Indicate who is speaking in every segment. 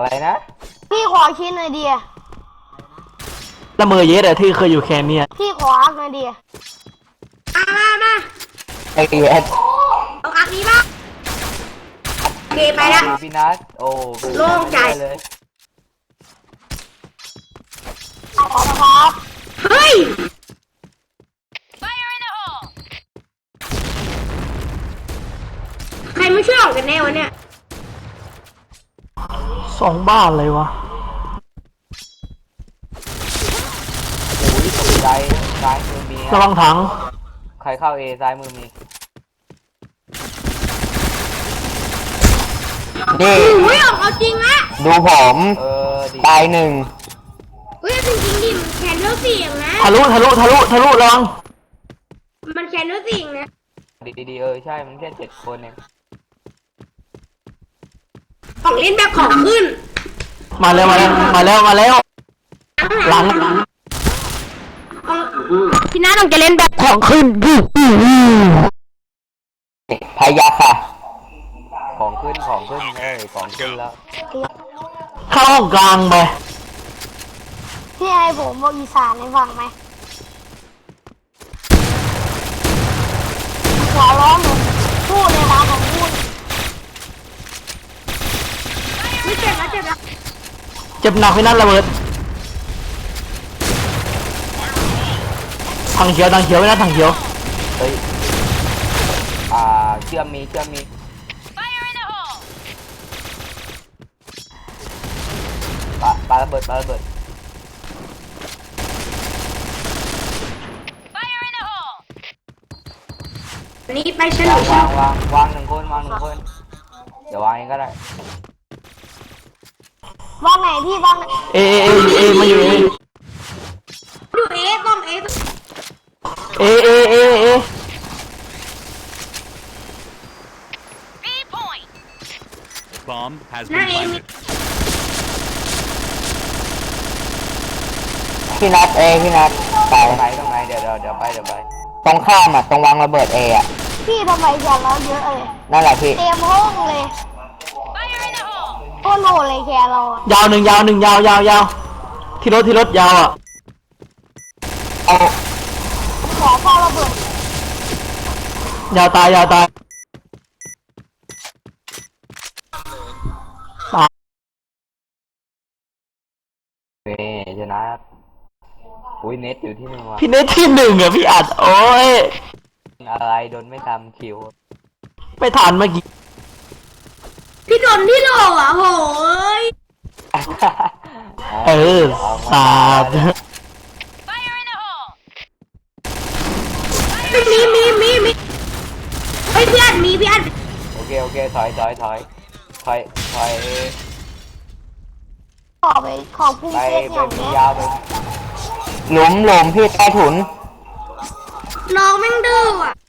Speaker 1: อะไรนะ
Speaker 2: พี่ขอชิ้นหน่อยดิ
Speaker 3: ละเมอเยสอะที่เคยอยู่แคนเนี่ย
Speaker 2: พี่ขออักหน่อยดิ
Speaker 4: มา
Speaker 1: ไอเอส
Speaker 4: เอาอักนี้ป่ะเกไปแล้ว
Speaker 1: พี่นัทโอ้
Speaker 4: โล่งใจ
Speaker 1: เลย
Speaker 2: ขอบคุณครับ
Speaker 4: เฮ้ยใครไม่ช่วยออกกันแน่วะเนี่ย
Speaker 3: 2 บ้านเลยวะ
Speaker 1: โอ้ยตกใจซ้ายมือมี
Speaker 3: ระวังถัง
Speaker 1: ใครเข้าเอซ้ายมือมีนี่
Speaker 4: อุ้ยออกเอาจริงละ
Speaker 1: ดูผมดีตาย1
Speaker 4: เฮ้ยจริงดิมันแคนเนอร์เสียงนะ
Speaker 3: ทะลุระวัง
Speaker 4: มันแคนเนอร์เสียงนะ
Speaker 1: ดีใช่มันแค่7 คนเอง
Speaker 4: ของเล่นแบบของขึ้น
Speaker 3: มาแล้วหลัง
Speaker 4: พี่น้าต้องจะเล่นแบบ
Speaker 3: ของขึ้น
Speaker 1: พายาค่ะของขึ้นของขึ้นแล้ว
Speaker 3: เข้าห้องกลางไป
Speaker 2: พี่ให้ผมบอกอีสานให้ฟังไหมขอร้องผมพูดเลยนะผมพูด
Speaker 4: ไม่เจ็บแล้ว
Speaker 3: เจ็บหนักพี่นั่นระเบิดถังเขียวไม่น่าถังเขียว
Speaker 1: เฮ้ยเชื่อมมีปาระเบิด
Speaker 4: อันนี้ไปฉลุย
Speaker 1: วาง1 คนเดี๋ยววางเองก็ได้
Speaker 2: ว่างไหนพี่ว่างไหน
Speaker 3: เอมาอยู่
Speaker 4: ดูต้อง
Speaker 3: เอ
Speaker 5: Bomb has
Speaker 4: หน้า
Speaker 5: been
Speaker 4: เอมี
Speaker 5: planted.
Speaker 1: พี่นัทไปตรงไหนเดี๋ยวไปตรงข้ามอ่ะตรงวางระเบิดเออ่ะ
Speaker 2: พี่ทำไมแกเราเยอะเลย
Speaker 1: นั่นแหละพี่
Speaker 2: เต็มห้องเลยโคตรโหดเลยแกเราอะ
Speaker 3: ยาวหนึ่งยาวที่รถยาวอ่ะ
Speaker 1: เอา
Speaker 2: ขอเฝ้าระเบิด
Speaker 3: ยาวตาย
Speaker 1: ชนะอุ้ยเน็ตอยู่ที่1ว่ะ
Speaker 3: พี่เน็ตที่ 1อ่ะพี่อัดโอ้ย
Speaker 1: อะไรโดนไม่ทำคิว
Speaker 3: ไม่ทันเมื่อกี้
Speaker 4: พี่โดนที่โหลอ่ะโหย
Speaker 3: สาด
Speaker 4: มีเฮ้ยพี่อันมีพี่อัน
Speaker 1: โอเคถอย
Speaker 2: ขอไปขอบคุณ
Speaker 1: ไป
Speaker 2: เซ็ตอย่าง
Speaker 1: มี
Speaker 2: เนี้ย
Speaker 1: ยาวไปหลุมพี่ใต้ถุน
Speaker 4: น้องแม่งดื้ออ่ะ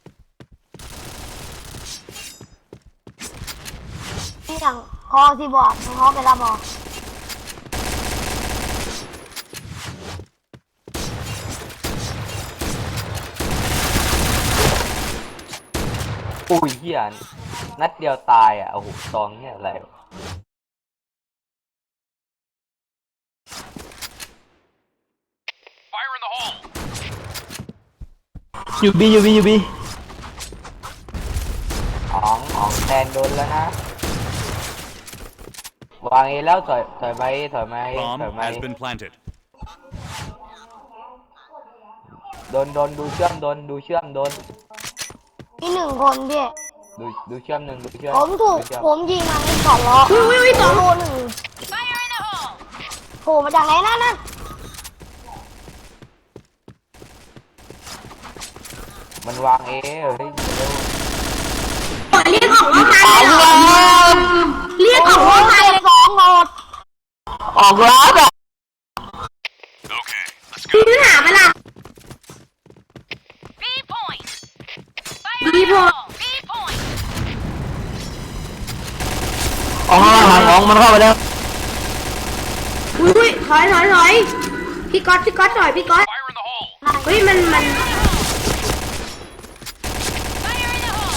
Speaker 2: ที่อย่างคอที่บอกเขาไปละบอก
Speaker 1: อุ้ยเหี้ยนัดเดียวตายอ่ะโอ้โหซองเนี่ยอะไรวะ
Speaker 3: อยู่บี
Speaker 1: อ๋องแทนโดนแล้วนะวางเอแล้วถอยมา
Speaker 5: Bomb has been planted.
Speaker 1: โดนดูเชื่อมโดน
Speaker 2: มี1 คนพี่
Speaker 1: ดูเชื่อมดูเชื่อม
Speaker 2: ผมถูก
Speaker 1: ดูเชื่อม
Speaker 2: ผมยิงมาในขอล้อ
Speaker 4: อุ้ยต่อ
Speaker 2: โล1โผล่มาจากไหนนั่น
Speaker 1: มันวางเอเฮ้ยเร็ว
Speaker 4: เรียกออกว่าใครเรียกออกว่าใคร
Speaker 2: 2 โหลด
Speaker 3: ออกร้านอ่ะ
Speaker 4: พี่เนื้อหาไปล่ะบีพอย
Speaker 3: ออกมาหางของมันเข้าไปแล้ว
Speaker 4: อุ้ยถอยพี่ก๊อตถอยพี่ก๊อตเฮ้ยมัน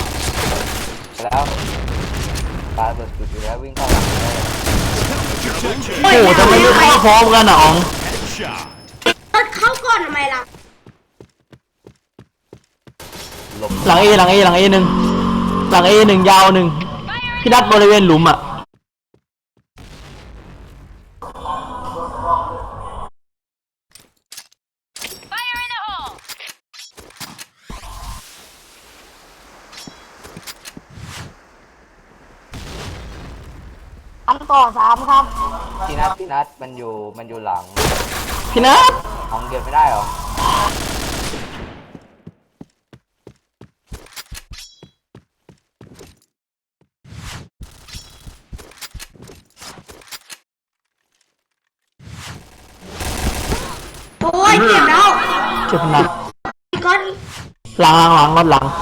Speaker 1: แล้วปาเบิดจุดอยู่แล้ววิ่งเข้าหลังเลย
Speaker 3: โอ้โหทำไมไม่เข้าพร้อมกันอ่ะอ๋อง
Speaker 5: Headshot.
Speaker 4: รถเข้าก่อนทำไมล่ะ
Speaker 1: หลบ
Speaker 3: หลังเอหลังเอหลังเอหนึ่งหลังเอหนึ่งยาวหนึ่งพี่นัดบริเวณหลุมอ่ะ
Speaker 2: อันต่อสามครับ
Speaker 1: พี่นัทมันอยู่หลัง
Speaker 3: พี่นัด
Speaker 1: ของเก็บไม่ได้เหรอ
Speaker 4: โอ้ยเจ็บแล้ว
Speaker 3: เจ็บหนัก
Speaker 4: ก็
Speaker 3: หลังหลังรถหลัง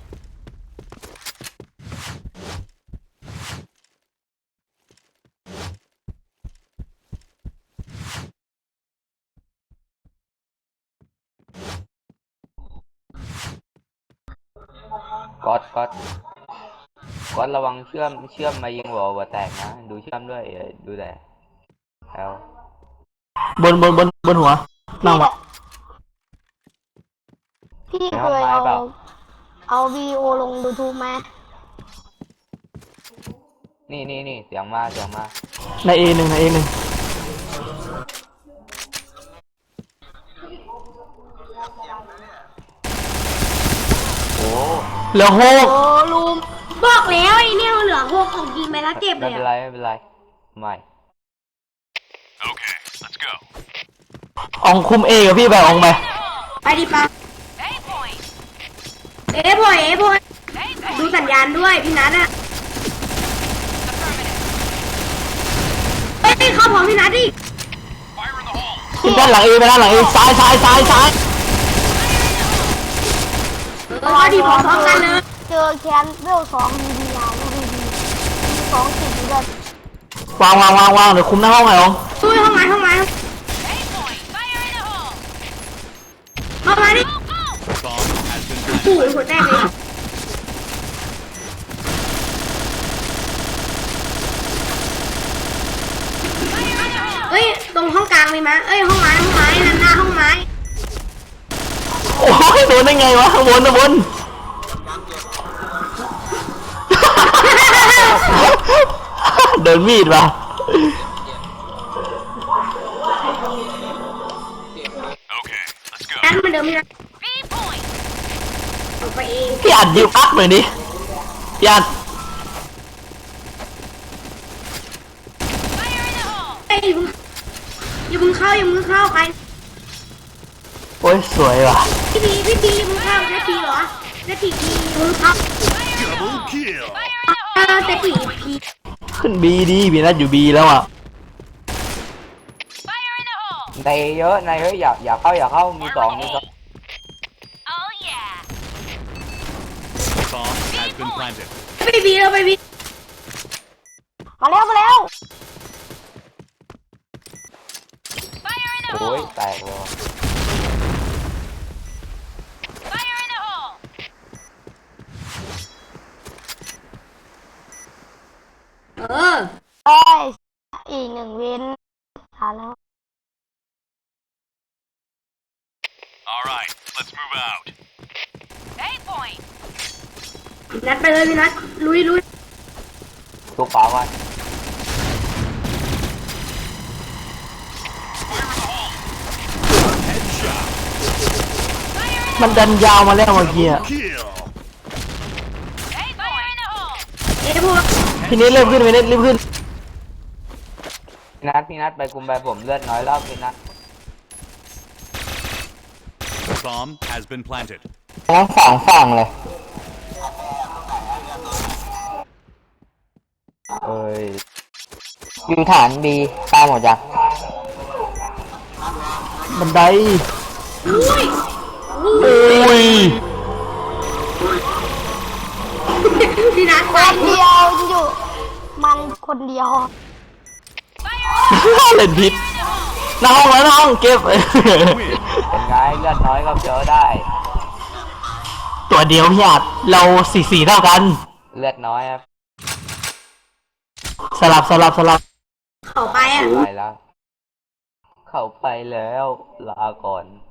Speaker 1: ก๊อตระวังเชื่อมมายิงหัวแตกนะ ดูเชื่อมด้วยดูแต่แล้ว
Speaker 3: บนหัวนั่งวะ
Speaker 2: พี่เคยเอาวีดีโอลง YouTube ไหม
Speaker 1: นี่เสียงมา
Speaker 3: ในเอหนึ่งในเอหนึ่ง
Speaker 1: โอ้
Speaker 3: เหลือหก
Speaker 2: โอ้ลุง
Speaker 4: บอกแล้วไอ้เนี่ยเหลือ6ของยิงไปแล้วเจ็บเล
Speaker 1: ไม่
Speaker 4: ย
Speaker 1: เป็น
Speaker 4: อะ
Speaker 1: ไรไม่
Speaker 5: Okay, let's go.
Speaker 3: อองคุมเอกับพี่ไปอองไป
Speaker 4: ไปดิปะเอ๋บอยดูสัญญาณด้วยพี่นัทอะเฮ้ยเข้าพร้อมพี่นัทดิ
Speaker 3: ขึ้นด้านหลังเอไปด้านหลังเอซ้าย
Speaker 4: ดิพร้อมกันเลย
Speaker 2: เจอแคนเวล2ดีดีอ่ะดูดีดีมี2ติดด้วย
Speaker 3: วางเดี๋ยวคุมหน้าห้องไงออง
Speaker 4: ช่วยห้องไม้เข้ามาดิ
Speaker 5: Bomb has been
Speaker 4: โอ้
Speaker 5: planted.
Speaker 4: ยหัวแตกเลยเฮ้ยตรงห้องกลางมีมั้ยเอ้ยห้องไม้นั่นหน้าห้องไม้
Speaker 3: โอ้ยโดนได้ไงวะข้างบนเดินมีดว่ะ
Speaker 5: Okay, let's go.
Speaker 4: นั่นมันเดิมพี่นัทออกไปเอง
Speaker 3: พี่อัดยิวอัพหน่อยดิพี่อัด
Speaker 4: เอ้ยอย่าเพิ่งเข้าใคร
Speaker 3: โอ้ยสวยว่ะ
Speaker 4: พี่บีอย่าเพิ่งเข้านาทีเหรอนาทีพี่อย่าเพิ่งเข้า
Speaker 5: Double kill.
Speaker 4: แต่ปีพี่
Speaker 3: ขึ้นบีดีพี่นัดอยู่บีแล้วอ่ะ
Speaker 1: ในเยอะอย่าเข้ามีสอง
Speaker 5: Bomb has been planted.
Speaker 4: ไปบีแล้วไปบี
Speaker 2: มาแล้ว
Speaker 1: โอ้ยแตกเลย
Speaker 4: เออ
Speaker 2: เอ้ยอีก1เว้นหาแล้ว
Speaker 5: All right, let's move out.
Speaker 4: นัดไปเลยพี่นัดลุย
Speaker 1: ตัวเปล่าวัน
Speaker 5: Headshot.
Speaker 3: มันดันยาวมาแล้วเมื่อกี้อะ
Speaker 5: Kill.
Speaker 4: เอ้พวก
Speaker 3: พี่นิดรีบขึ้นพี่นิดรีบขึ้น
Speaker 1: พี่นัทไปคุมไปผมเลือดน้อยแล้วพี่นัท
Speaker 5: Bomb has been planted.
Speaker 1: ทั้งสองฝั่งเลยอยู่ฐานบีตามหมดจ้ะ
Speaker 3: บันได
Speaker 4: อุ้ย
Speaker 3: โอ้ย
Speaker 4: พี่นัด
Speaker 2: ค
Speaker 4: ไป
Speaker 2: นเดียวอยู่มันคนเดียว
Speaker 3: เล่นผิดหน้าห้องเก็บ
Speaker 5: Win.
Speaker 1: เป็นไงเลือดน้อยก็เจอได้
Speaker 3: ตัวเดียวพี่อัดเรา4-4เท่ากัน
Speaker 1: เลือดน้อยครับ
Speaker 3: สลับ
Speaker 4: เขาไปอ่ะ
Speaker 1: ไปแล้ว เข้าไปแล้ว ลาก่อน